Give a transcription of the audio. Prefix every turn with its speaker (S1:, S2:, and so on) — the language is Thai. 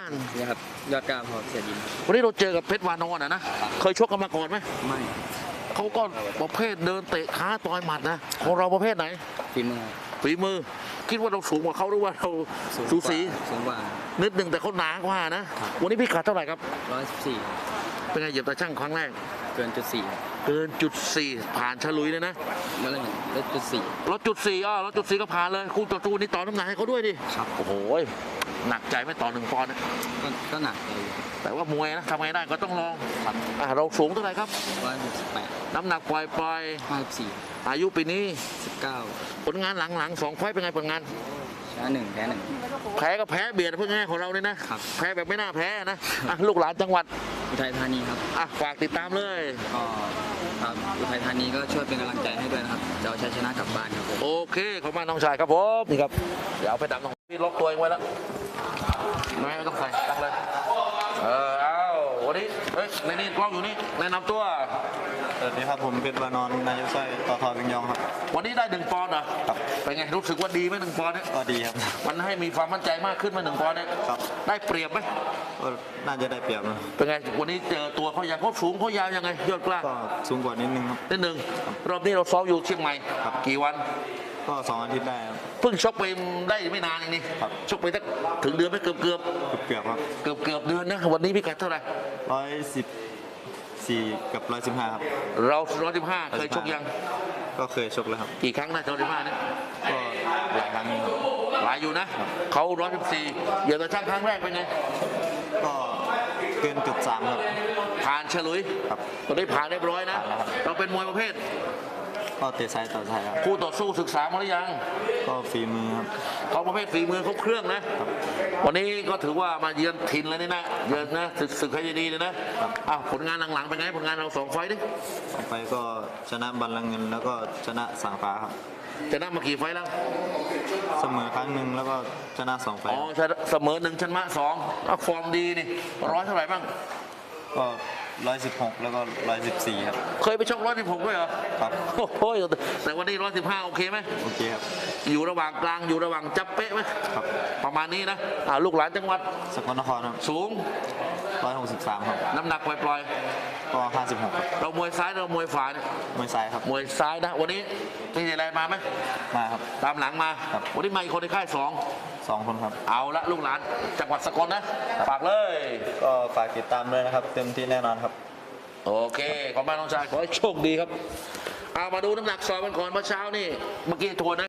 S1: นี่ครับยอดกล้าพอเสียดิน
S2: วันนี้เราเจอกับเพชรวานอนนะเคยชกกันมาก่อนไหม
S1: ไม่
S2: เขาก็ประเภทเดินเตะขาต่อยหมัดนะของเราประเภทไหน
S1: ฝีมือ
S2: ฝีมือคิดว่าเราสูงกว่าเขาหรือว่าเราสูสี
S1: สูงกว่า
S2: นิดหนึ่งแต่เขาหนากว่านะวันนี้พี่ขาดเท่าไหร่ครับ
S1: 114
S2: เป็นไงเหยียบตาช่างครั้งแรก
S1: เกินจุดสี่
S2: เกินจุดสี่ผ่านฉลุยเลยนะ
S1: แล้วลดจุดสี่
S2: ลดจุดสี่ลดจุดสี่ก็ผ่านเลยคู่ต่อสู้นี่ต่อน้ำหนักให้เขาด้วยดิ
S1: ครับ
S2: โอ้โหหนักใจไม่ต่อ1 ปอนด์นะ
S1: ก็หนักเลย
S2: แต่ว่ามวยนะทำไงได้ก็ต้องลองเราสูงเท่าไหร่ครับ
S1: 168
S2: น้ำหนักปล่อย
S1: 54
S2: อายุปีนี้
S1: 19
S2: ผลงานหลังๆ2 ไฟต์เป็นไงผลงาน
S1: ชนะ1แพ้1
S2: แพ้ก็แพ้เบียดเพื่อนง่ายของเราเลยนะแพ้แบบไม่น่าแพ้นะลูกหลานจังหวัด
S1: อุทัยธานีครับ
S2: ฝากติดตามเลย
S1: ก็ครับอุทัยธานีก็ช่วยเป็นกำลังใจให้ด้วยนะครับจะเอาชัยชนะกลับบ้านครับ
S2: โอเคขอบคุณน้องชายครับผมนี่ครับเดี๋ยวเอาไปตามน้องพี่ล็อกตัวเองไว้แล้วไม่ต้องใส่ตั้งเลยเอาวันนี้เฮ้ยในนี่กล้องอยู่นี่แนะนำตัว
S3: สวัสดีครับผมเพชรวานอนนายกสร้อยต่อทอวิงยองครับ
S2: วันนี้ได้1 ปอนด์เหรอ
S3: ครับ
S2: เป็นไงรู้สึกว่าดีไหม1 ปอนด์เนี่ย
S3: ก็ดีครับ
S2: มันให้มีความมั่นใจมากขึ้นมา1 ปอนด์เนี่ย
S3: ครับ
S2: ได้เปรียบไหม
S3: ก็น่าจะได้เปรียบนะ
S2: เป็นไงวันนี้เจอตัวเขาอย่างเขาสูงเขายาวยังไงยอดกล้า
S3: ก็สูงกว่านิดนึงครับ
S2: นิดนึงรอบนี้เราซ้อมอยู่เชียงใหม่กี่วัน
S3: ก็2 อาทิตย์ได้ครับ
S2: เพิ่งชกไปได้ไม่นานเองนี่ชกไปสักถึงเดือนไม่เกือบ
S3: ครับ
S2: เกือบเดือนนะวันนี้พี่กัดเท่าไหร่
S3: 114กับ115ครับ
S2: เรา115เคยชกยัง
S3: ก็เคยชกแล้วครับ
S2: กี่ครั้งนะ115เนี่ย
S3: ก็หลายครั้ง
S2: หลายอยู่นะเขา114เดี๋ยวแต่ช่างครั้งแรกเป็นไง
S3: ก็เกินจุด3ครับ
S2: ผ่านเฉลุย
S3: ครับ
S2: ตอนนี้ผ่านเรียบร้อยนะเราเป็นมวยประเภท
S3: ก็เตะซ้ายต่อซ้ายครับ
S2: คู่ต่อสู้ศึกษามาหรือยัง
S3: ก็ฝีมือครับ
S2: เขาประเภทฝีมือเขาเครื่องนะวันนี้ก็ถือว่ามาเยือนถิ่นแล้วนี่นะเยือนนะศึกให้ดีเลยนะผลงานหลังๆเป็นไงผลงานเรา2 ไฟต์ดิ
S3: 2 ไฟต์ก็ชนะบัลลังก์เงินแล้วก็ชนะสังฟ้าครับ
S2: ชนะมากี่ไฟต์แล้ว
S3: เสมอครั้งหนึ่งแล้วก็ชนะ2 ไฟต์
S2: เสมอ1ชนะ2ฟอร์มดีนี่100เท่าไหร่บ้าง
S3: ก็116แล้วก็114ครับ
S2: เคยไปชก116ด้วยเหรอ
S3: ครับ
S2: โอ้ยแต่วันนี้115โอเคไหม
S3: โอเคครับ
S2: อยู่ระหว่างกลางอยู่ระหว่างจับเป๊ะไหม
S3: ครับ
S2: ประมาณนี้นะลูกหลานจังหวัด
S3: สกลนครครับ
S2: สูง
S3: 163ครับ
S2: น้ำหนักปล่อย
S3: ก็56ครับ
S2: เรามวยซ้ายเรามวยขวาเนี่ย
S3: มวยซ้ายครับ
S2: มวยซ้ายนะวันนี้มีอะไรมาไหม
S3: มาครับ
S2: ตามหลังมาวันนี้มาอีกคนในค่าย
S3: 2 คนครับ
S2: เอาละลูกหลานจังหวัดสกลนะฝากเลย
S3: ก็ฝากติดตามด้วยนะครับเต็มที่แน่นอนครับ
S2: โอเคขอบคุณน้องชายขอให้โชคดีครับเอามาดูน้ำหนักซอยมันก่อนเมื่อเช้านี่เมื่อกี้ทวนนะ